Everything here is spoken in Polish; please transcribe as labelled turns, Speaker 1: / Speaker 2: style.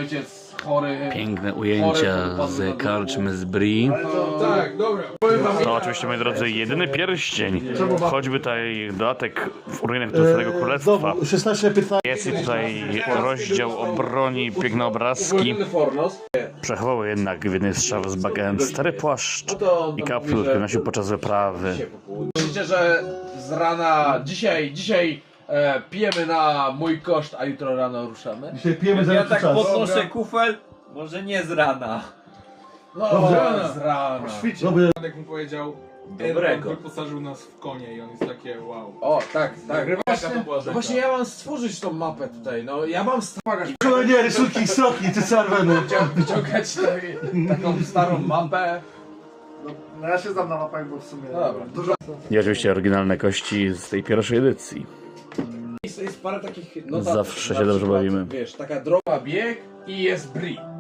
Speaker 1: ojciec chory.
Speaker 2: Piękne ujęcia z karczmy z Brie.
Speaker 1: Tak, dobra.
Speaker 2: To oczywiście, moi drodzy, jedyny pierścień. Choćby tutaj dodatek w ruinach Starego Królestwa.
Speaker 3: 16-15.
Speaker 2: Jest i tutaj rozdział o broni, piękne obrazki. Przechował jednak w jednej z szaf z bagen stary płaszcz i kaptur, który nosił podczas wyprawy.
Speaker 1: Myślicie, że z rana, dzisiaj pijemy na mój koszt, a jutro rano ruszamy?
Speaker 3: Dzisiaj pijemy za
Speaker 4: Ja
Speaker 3: jakiś
Speaker 4: tak
Speaker 3: czas.
Speaker 4: podnoszę kufel, może nie z rana.
Speaker 1: No,
Speaker 3: Dobrze.
Speaker 1: z rana.
Speaker 3: Dobry.
Speaker 5: Jak mu powiedział,
Speaker 4: Dobrego.
Speaker 5: wyposażył nas w konie i on jest takie wow.
Speaker 1: O, tak.
Speaker 5: Jaka to była rzeka.
Speaker 1: Właśnie ja mam stworzyć tą mapę tutaj, no ja mam stworzyć,
Speaker 3: Nie, rysunki sroki, ty czerwony.
Speaker 1: wyciągać taką starą mapę.
Speaker 6: No ja się znam na mapach, bo w sumie
Speaker 1: Dobra.
Speaker 6: dużo.
Speaker 2: I oczywiście oryginalne kości z tej pierwszej edycji.
Speaker 1: Jest parę takich notatek.
Speaker 2: Zawsze się
Speaker 1: Na
Speaker 2: dobrze
Speaker 1: przykład,
Speaker 2: bawimy.
Speaker 1: Wiesz, taka droga bieg i jest Brie.